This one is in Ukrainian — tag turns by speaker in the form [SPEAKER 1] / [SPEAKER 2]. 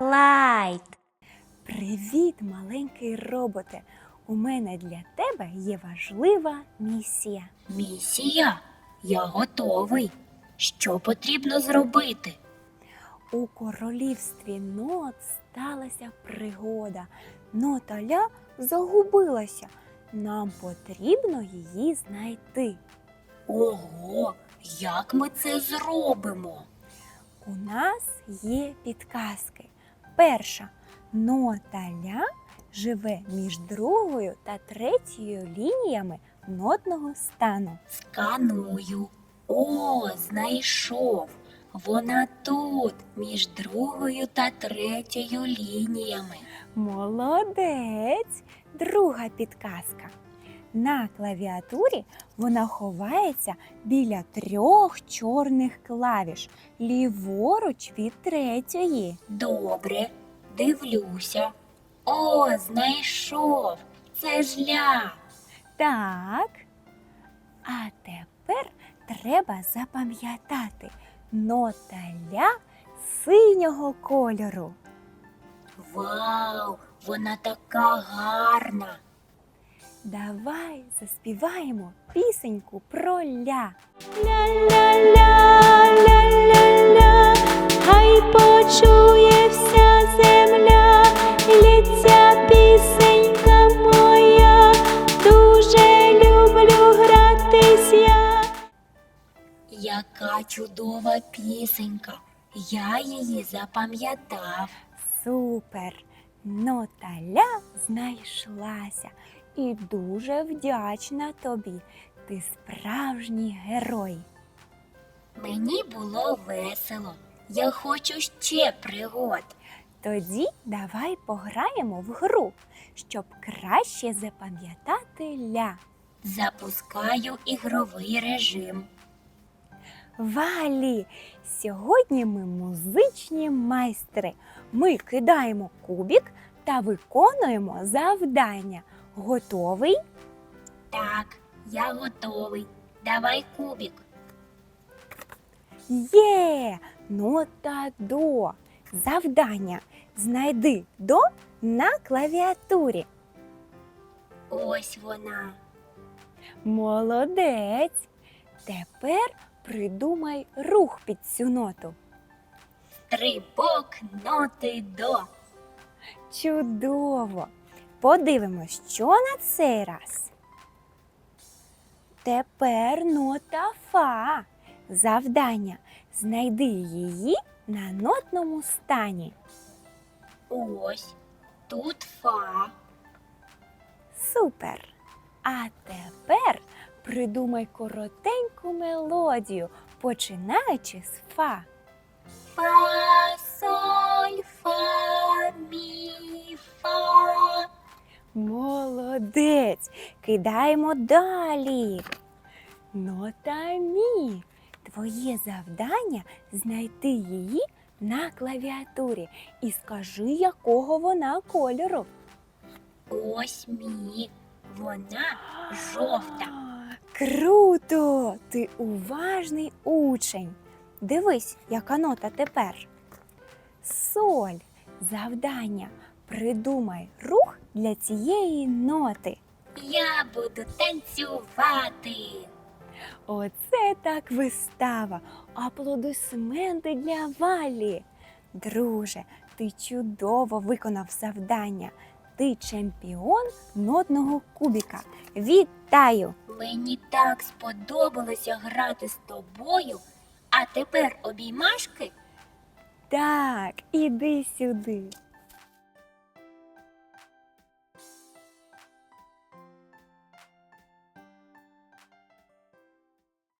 [SPEAKER 1] Слайд!
[SPEAKER 2] Привіт, маленький роботе! У мене для тебе є важлива місія.
[SPEAKER 1] Місія? Я готовий. Що потрібно зробити?
[SPEAKER 2] У королівстві Нот сталася пригода. Нота Ля загубилася. Нам потрібно її знайти.
[SPEAKER 1] Ого, як ми це зробимо?
[SPEAKER 2] У нас є підказки. Перша. Нота Ля живе між другою та третьою лініями нотного стану.
[SPEAKER 1] Сканую. О, знайшов. Вона тут, між другою та третьою лініями.
[SPEAKER 2] Молодець! Друга підказка. На клавіатурі вона ховається біля 3 чорних клавіш, ліворуч від третьої.
[SPEAKER 1] Добре, дивлюся. О, знайшов. Це ж Ля.
[SPEAKER 2] Так. А тепер треба запам'ятати нота Ля синього кольору.
[SPEAKER 1] Вау, вона така гарна.
[SPEAKER 2] Давай заспіваємо пісеньку про Ля.
[SPEAKER 3] Ля-ля-ля-ля-ля-ля, хай почує вся земля, лється пісенька моя, дуже люблю гратись я.
[SPEAKER 1] Яка чудова пісенька. Я її запам'ятав.
[SPEAKER 2] Супер! Нота Ля знайшлася і дуже вдячна тобі. Ти справжній герой.
[SPEAKER 1] Мені було весело. Я хочу ще пригод.
[SPEAKER 2] Тоді давай пограємо в гру, щоб краще запам'ятати Ля.
[SPEAKER 1] Запускаю ігровий режим.
[SPEAKER 2] Валі! Сьогодні ми музичні майстри. Ми кидаємо кубик та виконуємо завдання. Готовий?
[SPEAKER 1] Так, я готовий. Давай кубик.
[SPEAKER 2] Є! Нота До. Завдання. Знайди До на клавіатурі.
[SPEAKER 1] Ось вона.
[SPEAKER 2] Молодець! Тепер придумай рух під цю ноту.
[SPEAKER 1] Стрибок ноти До.
[SPEAKER 2] Чудово! Подивимось, що на цей раз. Тепер нота Фа. Завдання. Знайди її на нотному стані.
[SPEAKER 1] Ось. Тут Фа.
[SPEAKER 2] Супер! А тепер придумай коротеньку мелодію, починаючи з Фа.
[SPEAKER 1] Фа, соль, фа, мі, фа.
[SPEAKER 2] Молодець! Кидаємо далі. Нота Мі. Твоє завдання знайти її на клавіатурі і скажи, якого вона кольору.
[SPEAKER 1] Ось мі. Вона жовта.
[SPEAKER 2] Круто! Ти уважний учень. Дивись, яка нота тепер. Соль. Завдання. Придумай рух для цієї ноти.
[SPEAKER 1] Я буду танцювати.
[SPEAKER 2] Оце так вистава. Аплодисменти для Валі. Друже, ти чудово виконав завдання. Ти чемпіон нотного кубика. Вітаю!
[SPEAKER 1] Мені так сподобалося грати з тобою. А тепер обіймашки?
[SPEAKER 2] Так, іди сюди.